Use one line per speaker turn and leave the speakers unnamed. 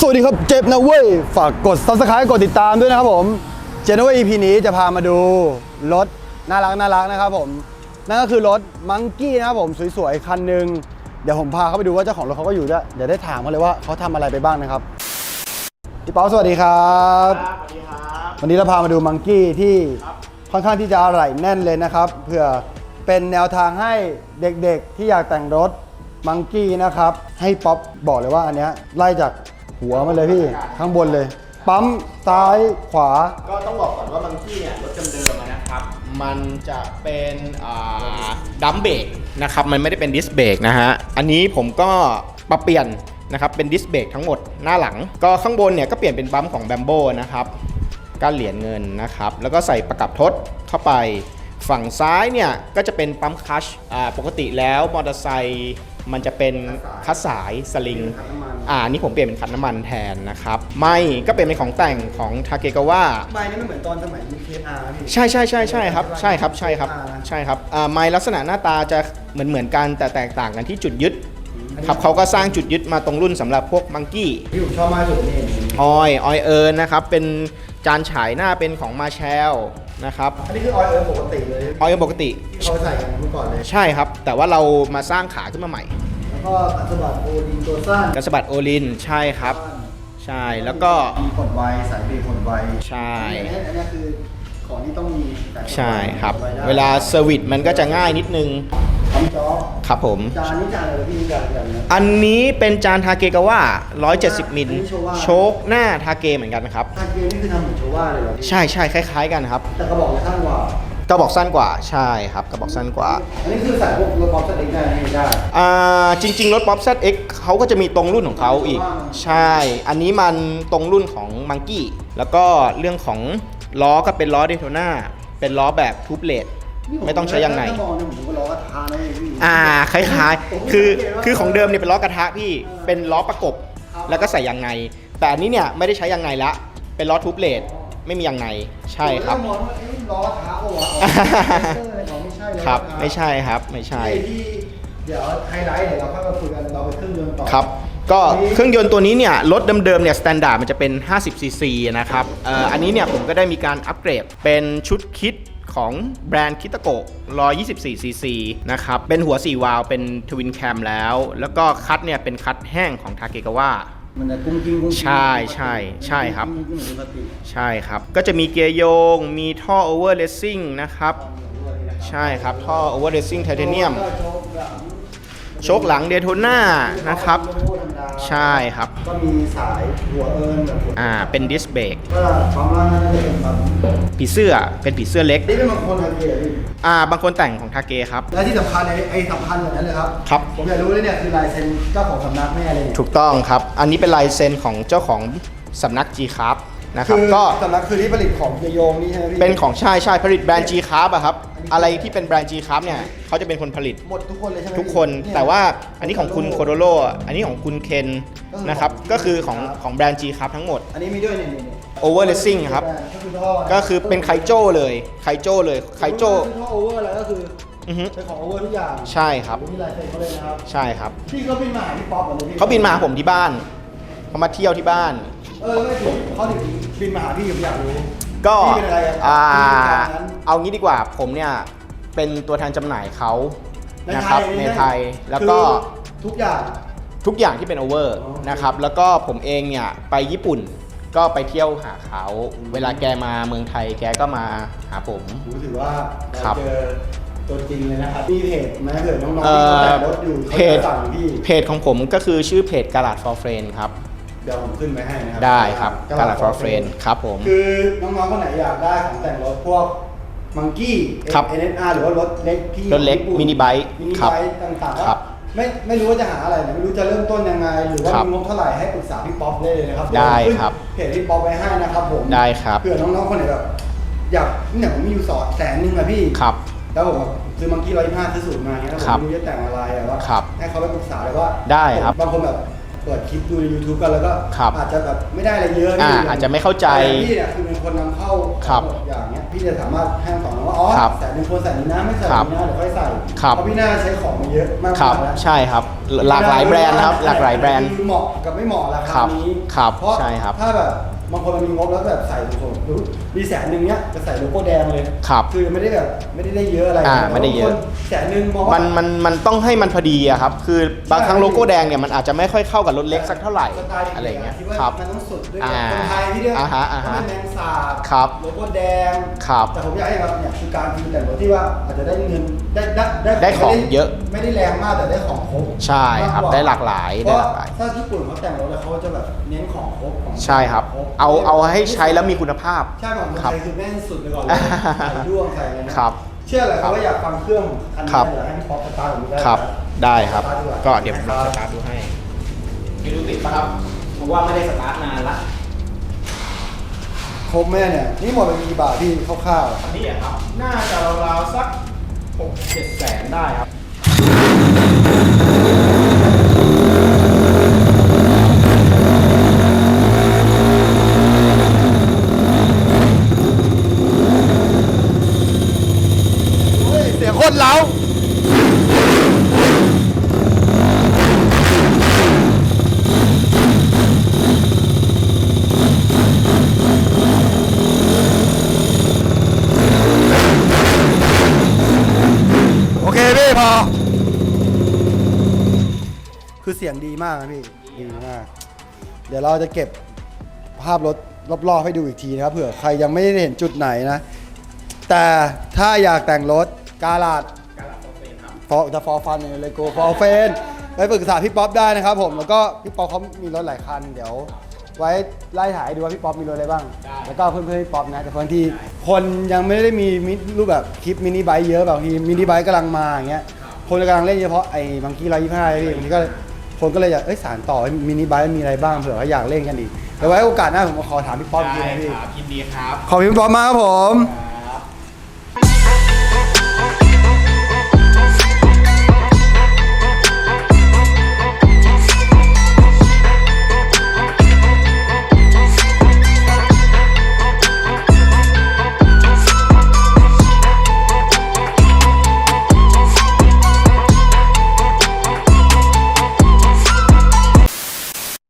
วัสดีครับเจ็บนะเว้ยฝากกด Subscribe กดติดตามด้วยนะครับผมเจ็บนะเว้ย EP นี้จะพามาดูรถน่ารักนะครับผมนั่นก็คือรถมังกี้นะครับผมสวยๆคันหนึ่งเดี๋ยวผมพาเข้าไปดูว่าเจ้าของรถเขาก็อยู่ด้วยเดี๋ยวได้ถามเขาเลยว่าเขาทำอะไรไปบ้างนะครับพี่เปาสวัสดีครับ
สวัสดีครับ
วันนี้เราพามาดูมังกี้ที่ค่อนข้างที่จะอะไหล่แน่นเลยนะครับเพื่อเป็นแนวทางให้เด็กๆที่อยากแต่งรถมังกี้นะครับให้ป๊อปบอกเลยว่าอันเนี้ยไล่จากหัวมาเลยพี่ข้างบนเลยปั๊มซ้ายขวา
ก็ต้องบอกก่อนว่ามังกี้เนี่ยรถเดิมๆนะครับมันจะเป็นดัมเบรกนะครับมันไม่ได้เป็นดิสเบรกนะฮะอันนี้ผมก็ปรับเปลี่ยนนะครับเป็นดิสเบรกทั้งหมดหน้าหลังก็ข้างบนเนี่ยก็เปลี่ยนเป็นปั๊มของแบมโบนะครับก้านเหรียญเงินนะครับแล้วก็ใส่ประกับทดเข้าไปฝั่งซ้ายเนี่ยก็จะเป็นปั๊มคลัชปกติแล้วมอเตอร์ไซค์มันจะเป็นคัสสายสลิงนี่ผมเปลี่ยนเป็นคันน้ำมันแทนนะครับไม่ก็เป็นของแต่งของทาเกกาวะ
ไม่นี่ไม่เหมือนตอนสมัย UKR พี่
ใช่ครับใช่ครับไม้ลักษณะหน้าตาจะเหมือนกันแต่แตกต่างกันที่จุดยึดครับเขาก็สร้างจุดยึดมาตรงรุ่นสำหรับพวกมังกี้
ที่ผมชอบมากสุดนี่
ออยเอิร์นนะครับเป็นจานฉายหน้าเป็นของมาแชลนะครับ
อันนี้คือออยเอิร์นปกติเลย
ออยเอิร์นปกติ
ที่เขาใส่กันเมื่อก่อนเลย
ใช่ครับแต่ว่าเรามาสร้างขาขึ้นมาใหม่
แล้วก็กันสะบัดโอลินตัวสั้น
กันสะบัดโอลินใช่ครับใช่แล้วก็
มีกดไวสายเบรกกดไว
ใช่
อันนี้คือของที่ต้องมี
ใช่ครับเวลาเซอร์วิสมันก็จะง่ายนิดนึงครับผม
จานนี้จานอะไรพี่จานอะไร
อันนี้เป็นจานทาเกกาวะ170 มิลโชคหน้าทาเกเหมือนกันนะครับ
ทาเกนี่คือทำเหมือนโชว่าเลยเหรอ
ใช่คล้ายๆกันครับ
แต่กระบอกสั้นกว่าก
ระบอกสั้นกว่าใช่ครับกระบอกสั้นกว่า
อันนี้คือใส่พวกรถป๊อป ZX ได้ไม่ได้
จริงๆรถป๊อป ZX เขาก็จะมีตรงรุ่นของเขาอีกใช่อันนี้มันตรงรุ่นของมังกี้แล้วก็เรื่องของล้อก็เป็นล้อเดโทน่าเป็นล้อแบบทูบเลดไม่ต้องใช้ยางในคล้ายๆคือของเดิมเนี่ยเป็นล้อกระทะพี่เป็นล้อประกบแล้วก็ใส่ยางในแต่อันนี้เนี่ยไม่ได้ใช้ยางในละเป็นล้อทูบเลดไม่มียางในใช่ครับ
ล้อกระทะโอ้โห
ครับไม่ใช่ครับไม่ใช่
เดี๋ยวไฮไลท์เดี๋ยวเราค่อยมาคุยกันเราไปเครื่องยนต์ต่อ
ครับก็เครื่องยนต์ตัวนี้เนี่ยรถเดิมๆเนี่ยสแตนดาร์ดมันจะเป็น50 ซีซีนะครับอันนี้เนี่ยผมก็ได้มีการอัปเกรดเป็นชุดคิดของแบรนด์คิตาโกะ124 ซีซีนะครับเป็นหัว4วาล์วเป็นทวินแคมแล้วก็คัทเนี่ยเป็นคัทแห้งของทาเกกาวะ
มันจะกุ้งกิ้ง
ใช่ครับใช่ครับก็จะมีเกียร์โยงมีท่อโอเวอร์เลสซิ่งนะครับใช่ครับท่อโอเวอร์เลสซิ่งไทเทเนียมโชคหลังเดโทน่านะครับใช่ครับ
ก็มีสายหัวเอิร์น
เป็นดิสเบรก
ก็ความล่างน่าจะเป็น
ผีเสื้อเป็นผีเสื้อเล็ก
นี่เป็นบางคนทาเกะ
บางคนแต่งของทาเกครับ
และที่สำคัญสำคัญแบบนั้นเลยครับ
ครับ
ผมอยากรู้เลยเนี่ยคือลายเซ็นเจ้าของสำนักแม่เลย
ถูกต้องครับอันนี้เป็นลายเซ็นของเจ้าของสำนัก G Craft นะครับก็
สำนักคือที่ผลิตของเกียร์โยงนี่ใช่ไหมพี่
เป็นของใช่ผลิตแบรนด์ G Craft อะครับอะไรที่เป็นแบรนด์ G Craft เนี่ยเขาจะเป็นคนผลิต
หมดทุกคนเลยใช่ไหม
ทุกคนแต่ว่าอันนี้ของคุณโคโดโรอันนี้ของคุณเคนนะครับก็คือของแบรนด์ G Craft ทั้งหมด
อันนี้มีด้วยนี่
โอเวอร์เลสซิ่งครับก็คือเป็นไคโจ้เลยไคโจ้
ท่อโอเวอร์อะไรก็คือเป็นของโอเวอร์ทุกอย่าง
ใช่ครับ
มีลายเซ็นเขาเลยนะครับ
ใช่ครับ
พี่ก็บินมาหาพี่ป๊อปเลย
เขาบินมาหาผมที่บ้านเขามาเที่ยวที่บ้าน
ไม่ถูกเขาถึงบินมาหาพี่ผมอยากรู้
ก็เอางี้ดีกว่าผมเนี่ยเป็นตัวแทนจำหน่ายเขานะครับในไทยแล้วก็
ทุก
อย่างที่เป็นโอเวอร์นะครับแล้วก็ผมเองเนี่ยไปญี่ปุ่นก็ไปเที่ยวหาเขาเวลาแกมาเมืองไทยแกก็มาหาผม
ถือว่าเจอตัวจริงเลยนะครับมีเพจไหมเผื่อน้องๆที่แต่งรถอยู่
เพจของผมก็คือชื่อเพจ Garage for Friend ครับ
เดี๋ยวผมขึ้นไปให้นะครับ
ได้ครับ Garage for Friend ครับผม
คือน้องๆคนไหนอยากได้ของแต่งรถพวกมังกี้ NSR หรือว่ารถเล็กที่
รถเล็กมินิไบค์
ต่างๆไม่รู้ว่าจะหาอะไรไม่รู้จะเริ่มต้นยังไงหรือว่ามีงบเท่าไหร่ให้ปรึกษาพี่ป๊อปได้เลยนะครับ
ได้ครับ
เพจพี่ป๊อปไว้ให้นะครับผม
ได้ครับ
เผื่อน้องๆคนไหนแบบอยากเนี่ยผมมีอยู่100,000อะพี่
ครับ
แล้วผมซื้อมังกี้125ซื้อสูตรมาเนี่ยผมไม่รู้จะแต่งอะไรว่าให้เขาไปปรึกษาเลยว่า
ได้ครับ
บางคนแบบเปิดคลิปดูใน YouTube กันแล้วก็
ครับ
อาจจะแบบไม่ได้อะไรเยอะ
อาจจะไม่เข้าใจ
แต่พี่เนี่ยคือเป็นคนนำเข้า
ครับ
หมดอย่างเงี้ยพี่จะสามารถให้คำตอบน้องว่าอ๋อ
ครับ
ใส่หนึ่งคนใส่นี้นะไม่ใส่
ครับ
นี้นะเดี๋ยวค่อยใส่
ครับ
เพราะพี่น่าจะใช้ของมาเยอะมาก
ครับ
แล้ว
ใช่ครับ หลากหลายแบรนด์ครับหลากหลายแบรนด์
คือเหมาะกับไม่เหมาะรา
ค
คา
รับ
นี้
ครับ
เพราะ
ใช่ครับ
ถ้าแบบบางคนเรามีงบแล้วแบบใส่สูงๆหรือมี100,000เนี้ยจะใส่โลโก้แดงเลย
ครับ
คือไม่ได้แบบไม่ได้เยอะอะไร
ไม่ได้เยอะ
แต่บางคน100,000มองว่า
มันต้องให้มันพอดีอะครับ คือบางครั้งโลโก้แดงเนี่ยมันอาจจะไม่ค่อยเข้ากับรถเล็กสักเท่าไหร่
สไตล์
อะไรเงี้ย
คิดว่า
ครับ
มันต้องสุดด้วย
อ่า
คนไทยที่เรียก
อ่าฮะอ่าฮะ
เป็นแมงสาบ
ครับ
โลโก้แดง
ครับ
แต่ผมอยากให้แบบเนี่ยคือการพิมพ์แต่งรถที่ว่าอาจจะได้เงินได้
ได้ของเยอะ
ไม่ได้แรงมากแต่ได้ของครบ
ใช่ครับ
มกกว่
ได้หลากหลาย
เพ
ได้
ราะ
หลากหลาย
ถ้าญี่ปุ่นเขาแต่งรถแล้วเขาจะแบบเน้นของครบของ
ใช่ครับ
คบ
เอาให้ใช้แล้วมีคุณภาพ
ใช่ของคน
ครับ
ไทยคือแม่งสุดไปก่อนเลยใส่ด้วงใส่อะไรนะครับ เชื่อเลยครับว่าอยากฟังเครื่องคันนี้
ครับ
อยากให้พี่ป๊อปสตาร์ทผมได้
ครับ
นะ
ได้ครับ
สตาร์ทดีว่า
ก็เดี๋ยวผมลองสตาร์ทดูให้ไม่รู้ติดปะครับเพราะว่าไม่ได้สตาร์ทนานละ
ครบแม่เนี่ยนี่หมดไปกี่บาทพี่คร่าวๆ
อันนี้อะครับ น่าจะราวๆสัก 6-7 แสนได้ครับ
เฮ้ยเสียงโคตรเล้าโอเคพี่พอ คือเสียงดีมากนะพี่ ดีมาก เดี๋ยวเราจะเก็บภาพรถรอบๆให้ดูอีกทีนะครับเผื่อใครยังไม่ได้เห็นจุดไหนนะ แต่ถ้าอยากแต่งรถกาลาดจะฟอร์ฟันเลยโกฟอร์เฟนไปปรึกษาพี่ป๊อปได้นะครับผมแล้วก็พี่ป๊อปเขามีรถหลายคันเดี๋ยว ไว้ไล่ถ่ายให้ดูว่าพี่ป๊อปมีรถอะไรบ้าง แล้วก็เพื่อนๆพี่ป๊อปนะแต่บางทีคนยังไม่ได้มีรูปแบบคลิปมินิไบค์เยอะบางทีมินิไบค์กำลังมาอย่างเงี้ยคนกำลังเล่นเฉพาะไอ้บังกี้125พี่บางทีก็คนก็เลยอยากสานต่อมินิไบค์มีอะไรบ้างเผื่อเขาอยากเล่นกันอีกเดี๋ยวไว้โอกาสหน้าผมขอถามพี่ป๊อปอีกทีนะพี่
ครับยินดีครับ
ขอบคุณพี่ป๊อปมากครับผม
ค